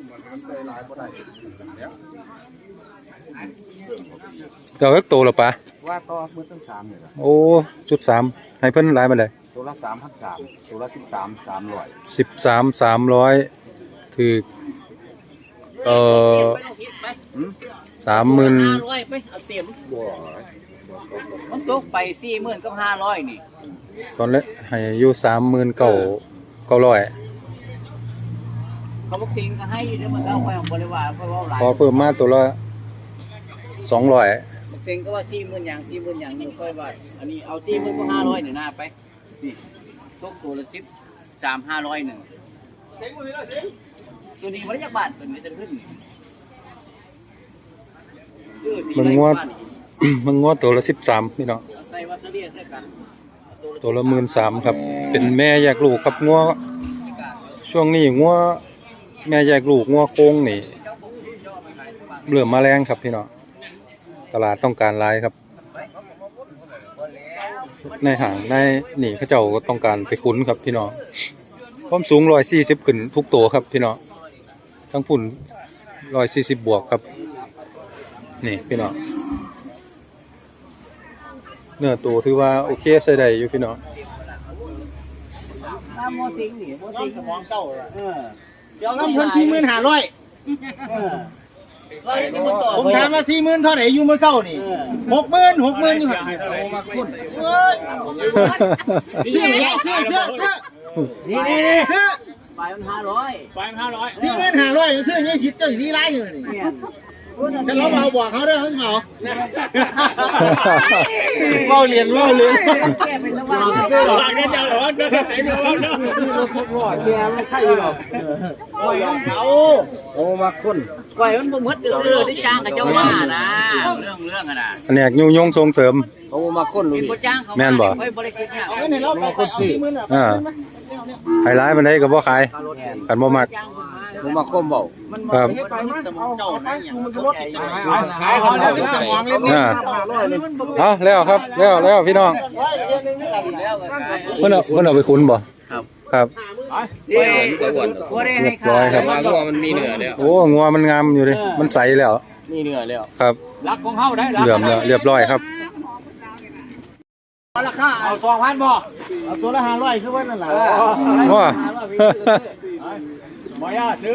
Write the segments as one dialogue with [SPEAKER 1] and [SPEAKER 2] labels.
[SPEAKER 1] เจ้าเอ็กโตหรอปะ
[SPEAKER 2] ว่าต่อมือตั้ง3เลย
[SPEAKER 1] โอ้จุด3ให้เพิ่นหลายมาเลย
[SPEAKER 2] ตัวละ3,300ตัวละ13,300
[SPEAKER 1] 13,300ถือ30,000
[SPEAKER 3] ไปเอาเต็มมันตกไป40,000กับ500นี่
[SPEAKER 1] ตอนแรกให้อยู่39,900
[SPEAKER 3] เขาบอกสิงก็ให้เดี๋ยวมันเอาไปของบริวารเพราะว่าหลาย
[SPEAKER 1] พอเพิ่มมาตัวละ200
[SPEAKER 3] บอกสิงก็ว่า40,000อย่างอยู่ค่อยว่าอันนี้เอา40,000ก็500นี่นะไปนี่ตกตัวละ13,500นึงตัวนี้มันจักบาทตัวนี้จะขึ้น
[SPEAKER 1] มันงวด มันงวดตัวละ13พี่น้องตัวละ13,000ครับเป็นแม่แยกลูกครับงัวช่วงนี้งัวแม่แยกลูกงัวโค้งนี่เริ่มมาแรงครับพี่น้องตลาดต้องการหลายครับในห้างในนี่เขาเจ้าก็ต้องการไปคุ้นครับพี่น้องความสูง140ขึ้นทุกตัวครับพี่น้องทั้งพุ่น140บวกครับนี่พี่น้องเนื้อตัวถือว่าโอเคใส่ได้อยู่พี่น้อง
[SPEAKER 3] ถ้าโมสิงนี่โมสิงสมองเก่า
[SPEAKER 4] เดี๋ยวน้ำเพิ่น45,000ผมถามว่า40,000เท่าไหร่อยู่มื้อเช้านี่60,000อยู่หั่นเฮ้ยเสื้อนี่
[SPEAKER 3] ไปมัน500
[SPEAKER 4] 45,000เสื้อยังคิดเจ้าอีหลายอยู่นี่แต่เราเอาบอกเขาเด้อเขาเว้าเรียน
[SPEAKER 3] แก้เป็นระหว่าง
[SPEAKER 4] เจ้าหรอเด้อไหนเด้อเด้อแม่ไม่ใช่หรอกเอามาคน
[SPEAKER 3] ปล่อยมันบ่หมดซื่อได้จ้างกับเจ้าว่านะเรื่องอ่ะนะ
[SPEAKER 1] อันนี้ยุยงส่งเสริม
[SPEAKER 4] เอามาคนลุย
[SPEAKER 3] บ่จ้างเขา
[SPEAKER 1] แม่นบ่
[SPEAKER 3] เฮ้ยบ่ได้คิดยาก
[SPEAKER 4] เอาเงินให้เราไปเอา40,000
[SPEAKER 1] ไฮไลท์มันได้ก็บ่ขายกันบ่มัก
[SPEAKER 4] ผมมาคมเบา
[SPEAKER 1] ครับ
[SPEAKER 4] สมองเก่านะขายของแล้วเป็นสมองเล่น
[SPEAKER 1] เอาแล้วครับแล้วพี่น้องเพิ่นเอาไปคุ้นบ่ครับ
[SPEAKER 3] เรียบ
[SPEAKER 1] ร้อยครับ
[SPEAKER 2] งัวมันมีเนื้อแล้ว
[SPEAKER 1] โอ้งัวมันงามอยู่ดิมันใสแล้ว
[SPEAKER 2] มีเนื้อแล้ว
[SPEAKER 1] ครับ
[SPEAKER 2] รักของเฮาได้
[SPEAKER 1] เหลื่อมแล้วเรียบร้อยครับ
[SPEAKER 3] ราคา
[SPEAKER 4] เอา2,000บ่เอาตัวละ500คือว่านั่นล่ะ
[SPEAKER 1] ว่า
[SPEAKER 2] บ่ย่าซื้อ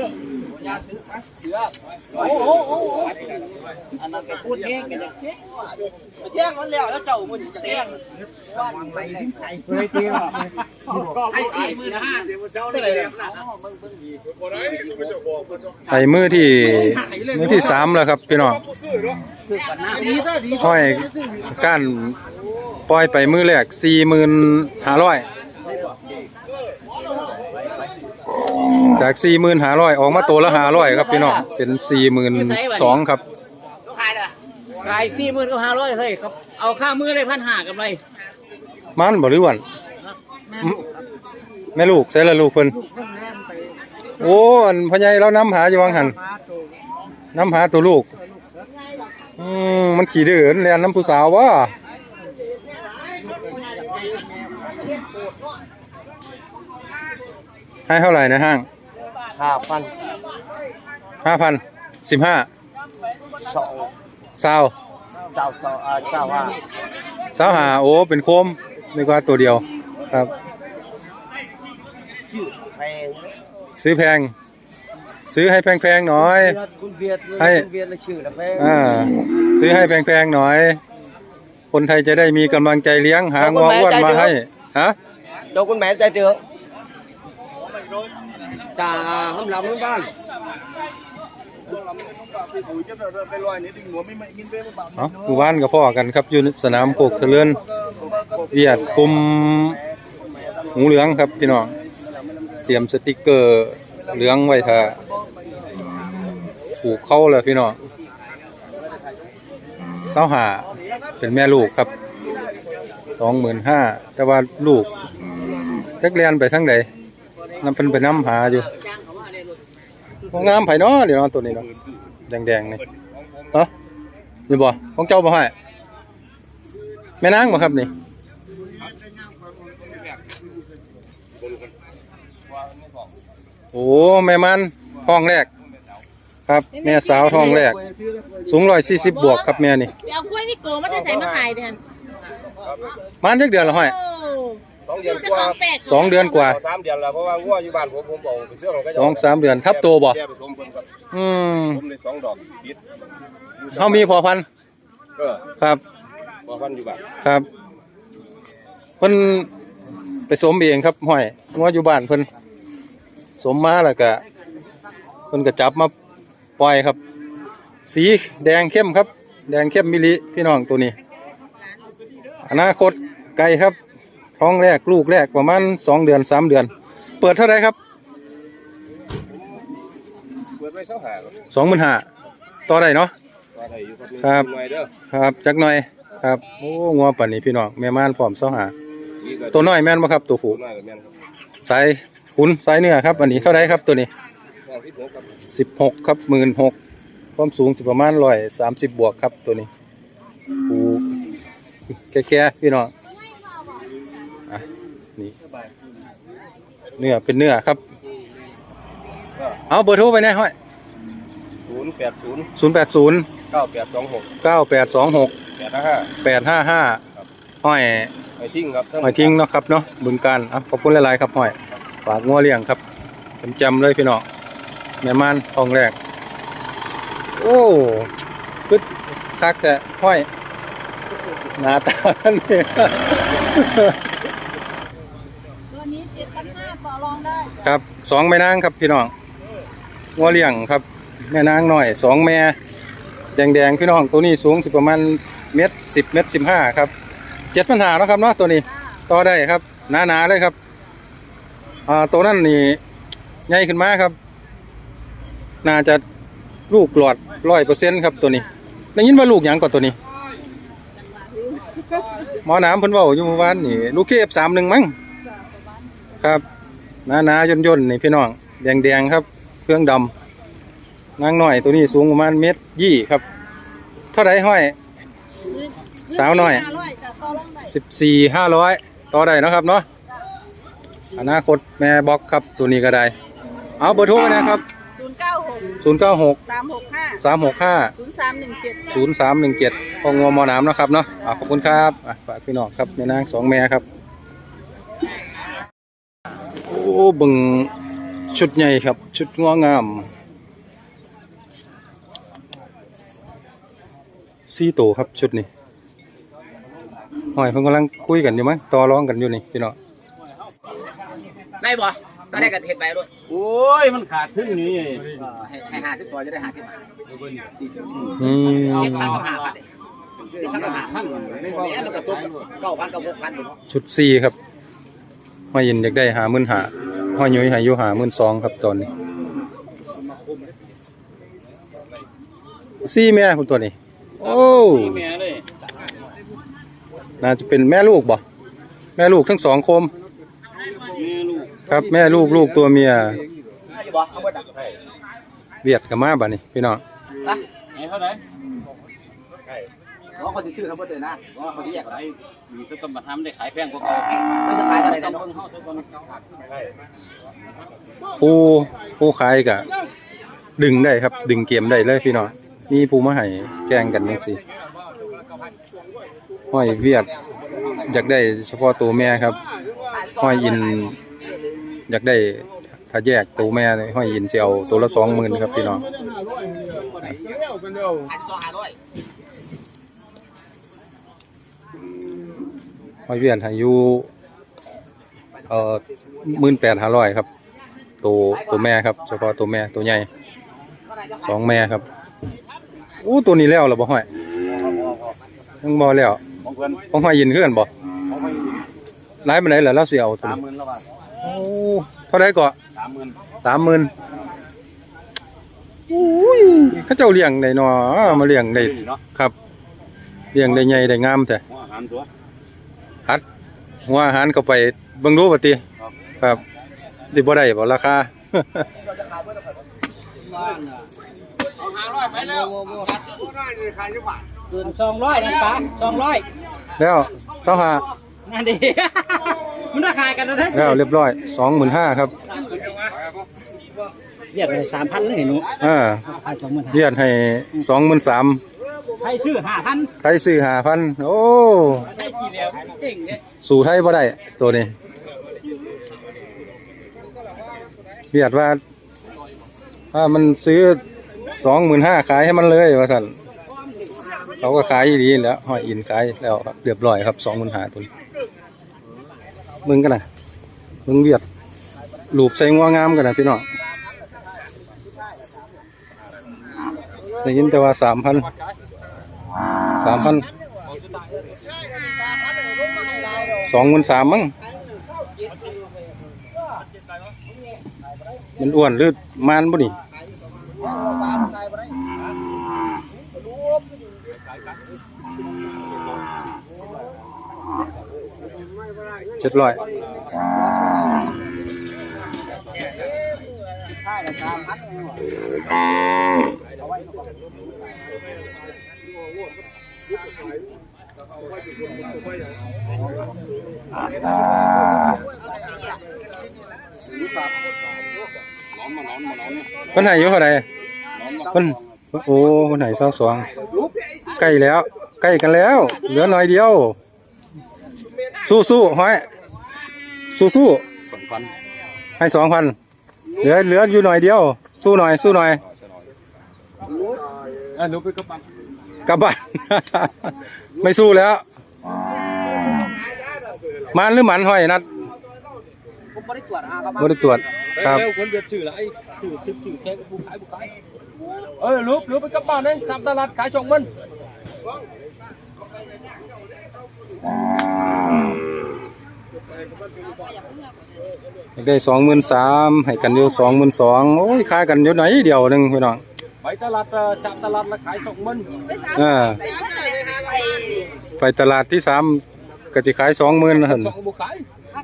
[SPEAKER 3] โอ้อันนั้นก็พูดเองกันแจ้งมันแล้วเจ้ามันจะแจ้ง
[SPEAKER 4] ให้45,000เดี๋ยวมื้อเช้านี่เลย
[SPEAKER 1] ไอ้มือที่3แล้วครับพี่น้องห้อยก้านปล่อยไปมือแรก45,000จาก45,000ออกมาตัวละ500ครับพี่น้องเป็น42,000ครับ
[SPEAKER 3] ขาย40,000กับ500เฮ้ยครับเอาค่ามือเลย1,500กับไร
[SPEAKER 1] มันบ่หรือวันแม่ลูกใส่ละลูกเพิ่นโอ้อันพ่อใหญ่เรานำหาอยู่วังหันนำหาตัวลูกมันขี่ดื้อเรียนน้ำผู้สาววะให้เท่าไหร่ในห้าง5,000 1525โอ้เป็นโคมนึกว่าตัวเดียวครับซื้อแพงซื้อให้แพงๆหน่อยให้ซื้อให้แพงๆหน่อยคนไทยจะได้มีกำลังใจเลี้ยงหางัวอ้วนมาให้ฮะ
[SPEAKER 4] เจ้าคุณแม่ใจเดือดจ่าห้ามลำบ้าน
[SPEAKER 1] หมู่บ้านกับพ่อกันครับอยู่สนามโคกเถลินเวียดกลุ่มหูเหลืองครับพี่น้องเตรียมสติกเกอร์เหลืองไว้ถ้าผูกเข้าเลยพี่น้อง25,000เป็นแม่ลูกครับ25,000แต่ว่าลูกเล็กเรียนไปทั้งใดนำเป็นไปน้ำหาอยู่งามไผ่เนาะเดี๋ยวตัวนี้เนาะแดงๆนี่เนาะนี่บ่ของเจ้าบ่ให้แม่นางบ่ครับนี่โอ้แม่มันท้องแรกครับแม่สาวท้องแรกสูง140บวกครับแม่นี่
[SPEAKER 5] ไปเอากล้วยนี่โกมาจะใส่มาขายเดือน
[SPEAKER 1] มันจักเดือนละห้อย
[SPEAKER 5] 2 เดือนกว่า
[SPEAKER 1] 2 เดือนกว่า
[SPEAKER 6] 3 เดือนแล้วเพราะว่างัวอยู่บ้านผมเอาไปเสื้อของก็
[SPEAKER 1] 2-3 เดือนทับโตบ่
[SPEAKER 6] แก้ผสมเพิ่นครับ ผมได้2 ดอกติด
[SPEAKER 1] เฮามีพอพันธุ์ ครับ
[SPEAKER 6] บ่พันอยู่บ้าน
[SPEAKER 1] ครับเพิ่นไปสมเองครับห้อยงัวอยู่บ้านเพิ่นสมมาแล้วก็เพิ่นก็จับมาปล่อยครับ สีแดงเข้มครับ แดงเข้มมิลิพี่น้องตัวนี้ อนาคตไกลครับท้องแรกลูกแรกประมาณ2 เดือน 3 เดือน เปิดเท่าไหร่ครับ
[SPEAKER 6] เปิดไว้เสาหาครับ
[SPEAKER 1] 25,000ต่อได้เนาะ
[SPEAKER 6] ว่าได้อยู่ครับ
[SPEAKER 1] ครับ
[SPEAKER 6] หน่อยเด้อ
[SPEAKER 1] ครับจักหน่อยครับโอ้งัวป่านนี้พี่น้องแม่ม่านพร้อมเสาหา
[SPEAKER 6] นี่ก็
[SPEAKER 1] ตัวน้อยแม่นบ่ครับตัวผู้
[SPEAKER 6] น้อยก็แม่นครับ
[SPEAKER 1] สายขุนสายเนื้อครับอันนี้เท่าไหร่ครับตัวนี้
[SPEAKER 6] ห้องที่6ครับ
[SPEAKER 1] 16ครับ16,000ความสูงสิประมาณ130บวกครับตัวนี้ผูแก่ๆพี่น้องอ่ะนี่เนื้อเป็นเนื้อครับเอาเบอร์โทรไปแน่ห้อย
[SPEAKER 6] 080
[SPEAKER 1] 080
[SPEAKER 6] 9826
[SPEAKER 1] 9826
[SPEAKER 6] 855
[SPEAKER 1] 855ห้อย
[SPEAKER 6] ไปทิ้งครับ
[SPEAKER 1] ห้อยทิ้งเนาะครับเนาะบึงการอ่ะขอบคุณหลายๆครับห้อยฝากงัวเลี้ยงครับจำเลยพี่น้องแม่ม่านทองแรกโอ้ปึ๊ดคักแต่ห้อยหน้าตาเนี่ย
[SPEAKER 5] ตัวนี้7,500ต่อรองได้
[SPEAKER 1] ครับ2แม่นางครับพี่น้องงัวเลี้ยงครับแม่นางหน่อย2แม่แดงๆพี่น้องตัวนี้สูงสิประมาณเมตร10เมตร15ครับ7,500เนาะครับเนาะตัวนี้ต่อได้ครับหนาๆเลยครับตัวนั้นนี่ใหญ่ขึ้นมาครับน่าจะลูกหลอด100%ครับตัวนี้ได้ยินว่าลูกหยังก่อนตัวนี้หมอน้ำเพิ่นเว้าอยู่เมื่อวานนี่ลูกKF31มั้งครับหนาๆย่นๆนี่พี่น้องแดงๆครับเครื่องดำนางน้อยตัวนี้สูงประมาณ1.20 ครับเท่าไหร่ห้อยสาวน้อย
[SPEAKER 5] 500จะต่อรองได้
[SPEAKER 1] 14,500ต่อได้เนาะครับเนาะอนาคตแม่บ็อกครับตัวนี้ก็ได้เอาเบอร์โทรไว้นะครับ
[SPEAKER 5] 096
[SPEAKER 1] 096
[SPEAKER 5] 365
[SPEAKER 1] 365
[SPEAKER 5] 0317
[SPEAKER 1] 0317ของงัวหมอน้ำเนาะครับเนาะขอบคุณครับฝากพี่น้องครับแม่นาง2แม่ครับโอ้เบิ่งชุดใหญ่ครับชุดงัวงาม4ตัวครับชุดนี้หอยเพิ่นกำลังคุยกันอยู่มั้งต่อรองกันอยู่นี่พี่น้อง
[SPEAKER 3] ได้บ่ถ้าได้ก็เฮ็ดไปด้วย
[SPEAKER 2] โอ้ยมันขาดทึ่งนี่
[SPEAKER 3] ให้50ซอยจะได้50บาท
[SPEAKER 1] อืม
[SPEAKER 3] 7,000กับ5,000 7,000กับ5,000เนี่ยมันก็ตก9,000กับ6,000อยู่เนาะ
[SPEAKER 1] ชุด4ครับหอยยินอยากได้55,000หอยยุ้ยให้อยู่52,000ครับตอนนี้4แม่พุ่นตัวนี้โอ้
[SPEAKER 2] แม่เลย
[SPEAKER 1] น่าจะเป็นแม่ลูกบ่แม่ลูกทั้ง2โคม
[SPEAKER 2] แม่ลูก
[SPEAKER 1] ครับแม่ลูกตัวเมีย
[SPEAKER 3] อยู่บ่เอาบ่ตัก
[SPEAKER 1] เวียดกับมาบัดนี้พี่น้อง
[SPEAKER 3] นะ
[SPEAKER 2] ไอ้เท่าไหร่
[SPEAKER 3] เขาสิซื้อเขาบ่เตือนนะเขาสิแยก
[SPEAKER 2] ไอ้มีสตัมบัติทำได้ขายแพงกว่าเก่า
[SPEAKER 3] เขาจะขายเท่าไหร่
[SPEAKER 2] ต้
[SPEAKER 3] แต่
[SPEAKER 2] อง
[SPEAKER 3] เนาะ
[SPEAKER 2] เพิ่งเข้าสักคน
[SPEAKER 1] ผู้ขายก็ดึงได้ครับดึงเกมได้เลยพี่น้องมีผู้มาให้แข่งกันจังซี่ห้อยเวียดอยากได้เฉพาะตัวแม่ครับห้อยอินอยากได้ถ้าแยกตัวแม่นี่ห้อยอินสิเอาตัวละ 20,000ครับพี่น้อง ห้อยเวียดให้อยู่18,500ครับตัวแม่ครับเฉพาะตัวแม่ตัวใหญ่2แม่ครับอู้ตัวนี้แล้วเหรอบ่ห้อยยังบ่แล้ว
[SPEAKER 2] ของเพื่อน
[SPEAKER 1] ของห้อยยินคือกันบ่
[SPEAKER 2] ของไม่
[SPEAKER 1] หลายปานใดล่ะเราสิเอาตัวนี้
[SPEAKER 2] 30,000แล้วว่า
[SPEAKER 1] โอ้เท่าใดก็
[SPEAKER 2] 30,000
[SPEAKER 1] 30,000อุ้ยเขาเจ้าเลี้ยงได้เนาะมาเลี้ยงได้
[SPEAKER 2] เนาะ
[SPEAKER 1] ครับเลี้ยงได้ใหญ่ได้งามแท้
[SPEAKER 2] หัวอาหารตัว
[SPEAKER 1] หัดหัวอาหารเข้าไปเบิ่งดูว่าติครับสิบ่ได้บ่ราคา
[SPEAKER 2] 500ไปแล้ว
[SPEAKER 3] เกิน200นะป้า200
[SPEAKER 1] แล้ว25
[SPEAKER 3] นั่นดิมันราคากันนะเด้
[SPEAKER 1] แล้วเรียบร้อย 25,000ครับ
[SPEAKER 3] เรียกเลย3,000เลยหนู ขาย20,000
[SPEAKER 1] เรียกให้23,000
[SPEAKER 3] ใครซื้อ5,000
[SPEAKER 1] ใครซื้อ5,000โอ้
[SPEAKER 3] ได้กี่แล้วเก่งเนี่ย
[SPEAKER 1] สู่ไทยบ่ได้ตัวนี้เรียกว่าถ้ามันซื้อ25,000ขายให้มันเลยว่าซั่นเขาก็ขายดีแล้วห้อยอินขายแล้วครับเรียบร้อยครับ25,000ตัวนี้มึงกันน่ะมึงเวียดรูปใส่งัวงามกันน่ะพี่น้องได้ยินแต่ว่า3,00023,000มั้งมันอ้วนหรือมันบ่นี่700คนไหนอยู่เท่าไหร่คนโอ้คนไหน22ใกล้แล้วใกล้กันแล้วเหลือหน่อยเดียวสู้ๆห้อยสู้
[SPEAKER 2] 2,000
[SPEAKER 1] ให้2,000เหลืออยู่หน่อยเดียวสู้หน่อย
[SPEAKER 6] ลูกไปกับปั๊บ
[SPEAKER 1] กลับบ้าน ไม่สู้แล้วมันหรือหมันห้อยนัด
[SPEAKER 3] ผมบ่ได้ตรวจครับ
[SPEAKER 1] บ่ได้ตรวจครับ
[SPEAKER 6] แล้วคนเบียดชื่อละไอ้ชื่อทึกชื่อแค่ผู้ขายลูกไปกับบ้านเลย3ตลาดขาย20,000
[SPEAKER 1] ได้ 23,000ให้กันอยู่ 22,000โอ้ยขายกันอยู่ไหนเดียวนึงพี่น้อง
[SPEAKER 6] ไปตลาด3ตลาดละขาย20,000
[SPEAKER 1] ไปตลาดที่3ก็สิขาย 20,000หั่น
[SPEAKER 6] 2บ่ขาย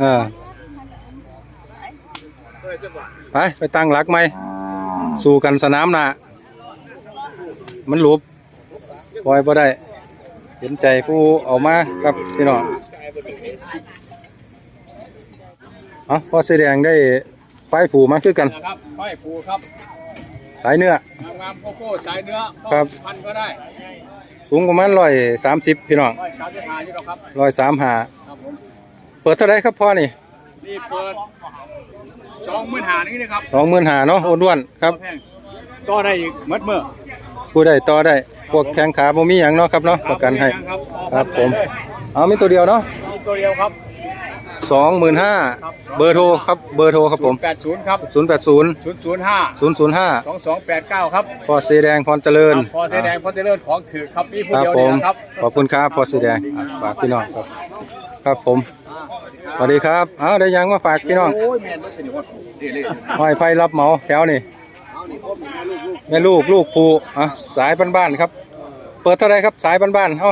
[SPEAKER 1] ไปตั้งหลักใหม่สู้กันสนามหน้ามันหลบปล่อยบ่ได้เห็นใจผู้เอามาครับพี่น้องพอสีแดงได้ไฟผูมาคือกัน
[SPEAKER 6] นะครับห้อยปูครับ
[SPEAKER 1] สายเนื้อง
[SPEAKER 6] ามโกโก้สายเนื้อ
[SPEAKER 1] ครับ
[SPEAKER 6] พันก็ได้
[SPEAKER 1] สูงประมาณ130พี่น้อง
[SPEAKER 6] 135อยู่แล้วครับ
[SPEAKER 1] 135
[SPEAKER 6] ครับผม
[SPEAKER 1] เปิดเท่าไรครับพ่อนี่
[SPEAKER 6] นี่เปิด25,000นี่นะครับ
[SPEAKER 1] 25,000เนาะอ้วนๆครับ
[SPEAKER 6] แพงก็ได้อีกเมื่อ
[SPEAKER 1] ผู้ใดต่อได้พวกแข้งขาบ่มีหยังเนาะครับเนาะประกันให้ครับผมเอามีตัวเดียวเนาะ
[SPEAKER 6] มีตัวเดียวครับ
[SPEAKER 1] 25,000เบอร์โทรครับผม
[SPEAKER 6] 80ครับ
[SPEAKER 1] 080
[SPEAKER 6] 005
[SPEAKER 1] 005
[SPEAKER 6] 2289ครับ
[SPEAKER 1] พ่อสีแดงพรเจริญ
[SPEAKER 6] พอเสแดงพอเจริญของถือครับมีผู้
[SPEAKER 1] ครับ
[SPEAKER 6] เดียว
[SPEAKER 1] ผ
[SPEAKER 6] นี่
[SPEAKER 1] ม
[SPEAKER 6] นะครับ
[SPEAKER 1] ขอบคุณครับพ่อสีแดงฝากพี่น้องครับครับผมสวัสดีครับได้ยังมาฝากพี่น้อง
[SPEAKER 6] โอ้ยแม่นมันเป็นว่าเรื่อย
[SPEAKER 1] ห้อยไผ่รับเหมาแถวนี่แม่ลูกภูสายบ้านๆครับ เปิดเท่าไรครับสายบ้านๆ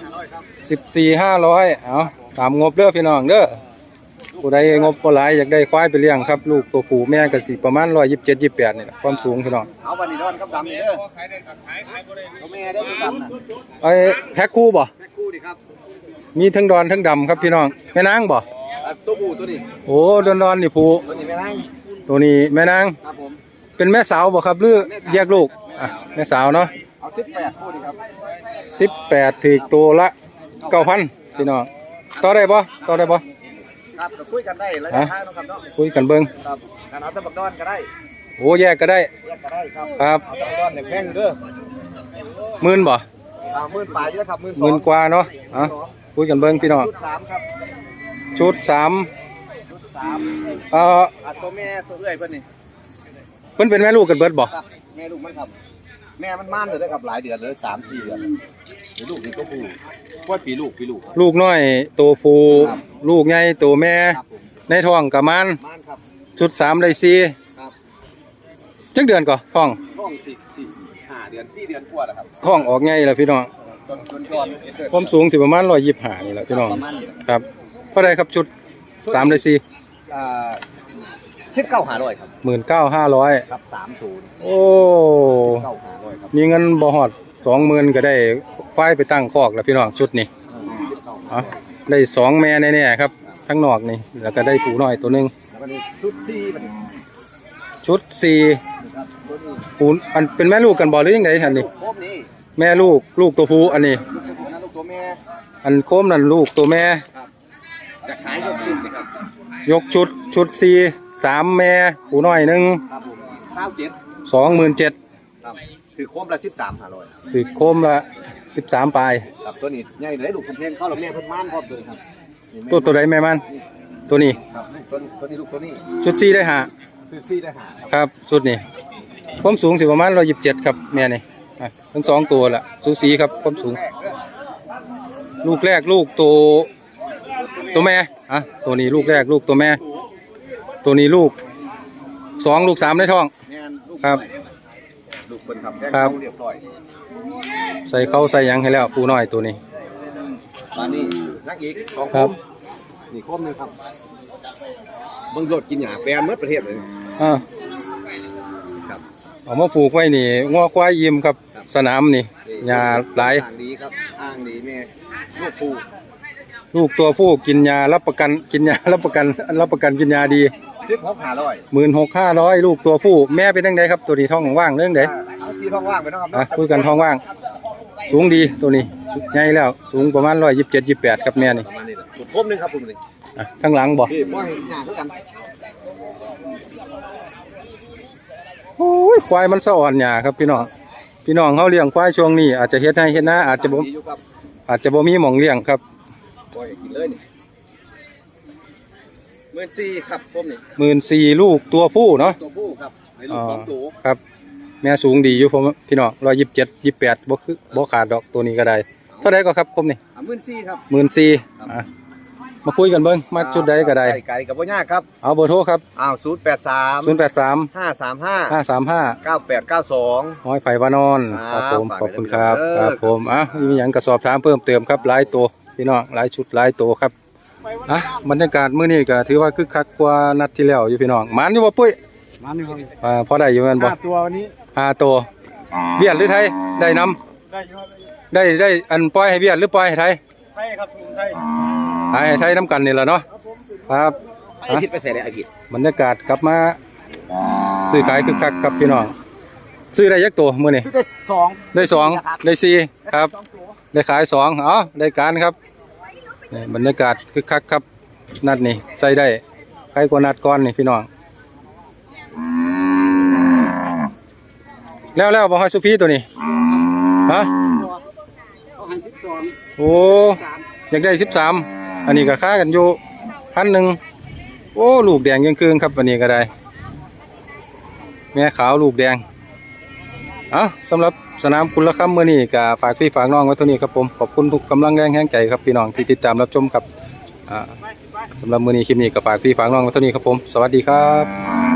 [SPEAKER 1] 14,500ตามงบเด้อพี่น้องเด้อผู้ใดงบบ่หลายอยากได้ควายไปเลี้ยงครับลูกตัวผู้แม่ก็สิประมาณ127-28นี่แหละความสูงพี่น้อง
[SPEAKER 3] เอาวันนี้นอนกับดำนี่เด้อตัวแม่ได้ตัวดำน่ะ
[SPEAKER 1] แพ็คคู่บ่
[SPEAKER 3] แม่คู่ดิครับ
[SPEAKER 1] มีทั้งดอนทั้งดำครับพี่น้องแม่นางบ่
[SPEAKER 3] ตัวผู้ตัวนี้
[SPEAKER 1] โอ้ดอนนี่ผู้
[SPEAKER 3] ตัวนี้แม่นาง
[SPEAKER 1] ตัวนี้แม่นาง
[SPEAKER 3] ครับผม
[SPEAKER 1] เป็นแม่สาวบ่ครับหรือแยกลูกแม่สาวเนาะ
[SPEAKER 3] เอา18คู่ดิครับ
[SPEAKER 1] 18ถึกตัวละ 9,000พี่น้องต่อได้บ่
[SPEAKER 3] ครับก็คุยกันได้ระยะทางนะครับเนาะ
[SPEAKER 1] คุยกันเบิ่ง
[SPEAKER 3] ครับการเอาตะบักดอนก็ได้
[SPEAKER 1] โอ้แยกก็ได้
[SPEAKER 3] แยกก็ได้ครับ
[SPEAKER 1] ครับ
[SPEAKER 3] เอาตะบักดอนเนี่ยแพงอยู่เด้อ
[SPEAKER 1] 10,000บ่
[SPEAKER 3] 10,000 ปลายอยู่แล้วครับ
[SPEAKER 1] 10,000 กว่าเนาะคุยกันเบิ่งพี่น้อง
[SPEAKER 3] ชุด3ครับ
[SPEAKER 1] ชุด 3
[SPEAKER 3] 3ตัวแม่ตัวเอื้อยเพิ่นนี่
[SPEAKER 1] เพิ่นเป็นแม่ลูกกันเบิดบ่
[SPEAKER 3] ครับแม่ลูกมันครับแม่มันม่านเลยครับหลายเดือนเลย3-4 เดือนเดี๋ยวลูกนี่ตัวผู้ว่าปีลูก
[SPEAKER 1] ลูกน้อยตัวผู้ลูกใหญ่ตัวแม่
[SPEAKER 3] ครับผม
[SPEAKER 1] ในท้องก็มัน
[SPEAKER 3] ม่านครับ
[SPEAKER 1] ชุด3ได้
[SPEAKER 3] ครับ
[SPEAKER 1] 4จักเดือนก่อท้อง
[SPEAKER 3] ท้อง4-5 เดือน4 เดือนกว่าแล้วครับ
[SPEAKER 1] ท้องออกใหญ่แล้วพี่น้อง
[SPEAKER 3] ต้นก่อน
[SPEAKER 1] ความสูงสิประมาณ125นี่แหละพี่น้อง
[SPEAKER 3] ประมาณนี้
[SPEAKER 1] ครับเท่าใดครับชุด3ได้4
[SPEAKER 3] 19,500ครับ
[SPEAKER 1] 19,500
[SPEAKER 3] ครับ30
[SPEAKER 1] โอ้
[SPEAKER 3] 19,500ครับ
[SPEAKER 1] มีเงินบ่ฮอด 20,000ก็ได้ควายไปตั้งคอกแล้วพี่น้องชุดนี้ได้2แม่แน่ๆครับทั้งนอกนี่แล้วก็ได้ผู้น้อยตัวหนึง
[SPEAKER 3] แล้วก็นี่ชุดที่มัน
[SPEAKER 1] ชุดสี่ปูนอันเป็นแม่ลูกกันบ่หรือยังไงอันนี้
[SPEAKER 4] โคมนี่
[SPEAKER 1] แม่ลูกลูกตัวผู้อันนี้
[SPEAKER 4] ลูกตัวแม่
[SPEAKER 1] อันโคมนั่นลูกตัวแม่
[SPEAKER 4] จะขายยกขึ้นนะครับ
[SPEAKER 1] ยกชุดสี่สามแม่ผู้น้อยหนึ่ง
[SPEAKER 4] ครับผม27
[SPEAKER 1] 27,000
[SPEAKER 4] ครับคือโคมละ13,500
[SPEAKER 1] ถือโคมละ13ปลาย
[SPEAKER 4] ครับตัวนี้ใหญ่เลยลูกเพิ่นเข้าลำแม่เพิ่นม่านพร้อมเลยครับ
[SPEAKER 1] ตัวใดแม่มันตัวนี้
[SPEAKER 4] ครับตัวนี้ลูกตัวนี้
[SPEAKER 1] ชุดสี่ได้หา
[SPEAKER 4] ซื้อซี่ได้หา
[SPEAKER 1] ครับชุดนี้ความสูงสิประมาณ127ครับแม่นี่อ่ะทั้งสองตัวละสูสีครับความสูง ลูกแรกลูกตัวแม่อ่ะตัวนี้ลูกแรกลูกตัวแม่ ตัวนี้ลูก2ลูก3ในท้อง
[SPEAKER 4] แม่นลูก
[SPEAKER 1] ครับ
[SPEAKER 4] ลูกเพิ่นครับ
[SPEAKER 1] ครับ
[SPEAKER 4] เรียบร้อย
[SPEAKER 1] ใส่เข้าใส่หยังให้แล้วผู้น้อยตัวนี้
[SPEAKER 4] มานี่นักอีก2
[SPEAKER 1] ครับ
[SPEAKER 4] นี่โคมนึงครับเบิ่งรถกินหญ้าแปลนหมดประเทศเลย
[SPEAKER 1] อ่า
[SPEAKER 4] ครับ
[SPEAKER 1] เอามาปลูกไว้นี่งัวควายยิ้มครับสนามนี่หญ้าหลาย
[SPEAKER 4] อ่างดีครับอ่างดีแม่ลูกปู
[SPEAKER 1] ลูกตัวผู้กินยารับประกันกินยารับประกันกินยาดี
[SPEAKER 4] 16,500
[SPEAKER 1] 16,500ลูกตัวผู้แม่เป็นจังไดครับตัวนี้ท้องว่างเรื่องใด
[SPEAKER 4] เอาที่ท้องว่างไปเนาะครับ
[SPEAKER 1] อ่ะคุยกันท้องว่าง สูงดีตัวนี้ใหญ่แล้วสูงประมาณ127-28ครับแม่นี่
[SPEAKER 4] ประมาณนี้แหละสุดโคมนึงครับผมนี่
[SPEAKER 1] อ่ะข้างหลังบ่
[SPEAKER 4] พี่บ่ให้หญ้าคือกัน
[SPEAKER 1] โอ้ยควายมันสะอ่อนหญ้าครับพี่น้องเฮาเลี้ยงควายช่วงนี้อาจจะเฮ็ดให้เฮ็ดนาอาจจะบ่
[SPEAKER 4] ดีอยู่ครับ
[SPEAKER 1] มีหม่องเลี้ยงครับ
[SPEAKER 4] ปล่อยให้กินเลยนี่14,000ครับผมนี่
[SPEAKER 1] 14,000ลูกตัวผู้เนาะ
[SPEAKER 4] ตัวผู้ครับให้ลูกของตัว
[SPEAKER 1] ครับแม่สูงดีอยู่ผมพี่น้อง127-28บ่ขาดดอกตัวนี้ก็ได้เท่าใดก็ครับคมนี่
[SPEAKER 4] 14,000ครับ
[SPEAKER 1] 14,000อ่ะมาคุยกันเบิ่งมาจุดใดก็ได้
[SPEAKER 4] ไก่กับบ่ยากครับ
[SPEAKER 1] เอาเบอร์โทรครับ
[SPEAKER 4] อ้าว083
[SPEAKER 1] 083
[SPEAKER 4] 535
[SPEAKER 1] 535
[SPEAKER 4] 9892
[SPEAKER 1] ห้อยไผ่วานอนค
[SPEAKER 4] ครั
[SPEAKER 1] รับบ ผม
[SPEAKER 4] ฝาก
[SPEAKER 1] ขอบคุณ
[SPEAKER 4] ไว้
[SPEAKER 1] ครับ
[SPEAKER 4] เด้อ
[SPEAKER 1] ครับผมอ่ะมีหยังก็สอบถามเพิ่มเติมครับหลายตัวพี่น้องหลายชุดหลายตัวครับอ่ะบรรยากาศมื้อนี้ก็ถือว่าคึกคักกว่านัดที่แล้วอยู่พี่น้องหมานอยู่บ่ปุ้ย
[SPEAKER 4] มานี่ครับ
[SPEAKER 1] พอได้อยู่แม่นบ่
[SPEAKER 4] 5ตัววันนี้
[SPEAKER 1] 5ตัวเบียดหรือไทยได้นำ
[SPEAKER 4] ได้อยู่ครับ
[SPEAKER 1] ได้อันปล่อยให้เบียดหรือปล่อยให้ไทย
[SPEAKER 4] ไทยครับถุงไทย
[SPEAKER 1] ให้ไทยนำกันนี่แหละเนาะครับ
[SPEAKER 4] ไอ้ผิดไปใส่เลยไอ้ผิด
[SPEAKER 1] บรรยากาศกลับมาซื้อขายคึกคักครับพี่น้องซื้อได้ยักตัวมื้อนี้
[SPEAKER 4] ที่ได้2
[SPEAKER 1] ได้2ได้4ครับได้ขาย2เอาได้การครับนี่บรรยากาศคึกคักครับนัดนี่ใส่ได้ใครกว่านัดก่อนนี่พี่น้องแล้วบ่ให้สุพีตัวนี้ฮะโอ้อยากได้13อันนี้ก็ค่ากันอยู่1,000โอ้ลูกแดงยังคืนครับอันนี้ก็ได้แม่ขาวลูกแดงสำหรับสนามคุณละคำเมื่อนี้ก็ฝากพี่ฝากน้องไว้เท่านี้ครับผมขอบคุณทุกกำลังแรงแห่งใจครับพี่น้องที่ติดตามรับชมครับสำหรับมื้อนี้คลิปนี้ก็ฝากพี่ฝากน้องไว้เท่านี้ครับผมสวัสดีครับ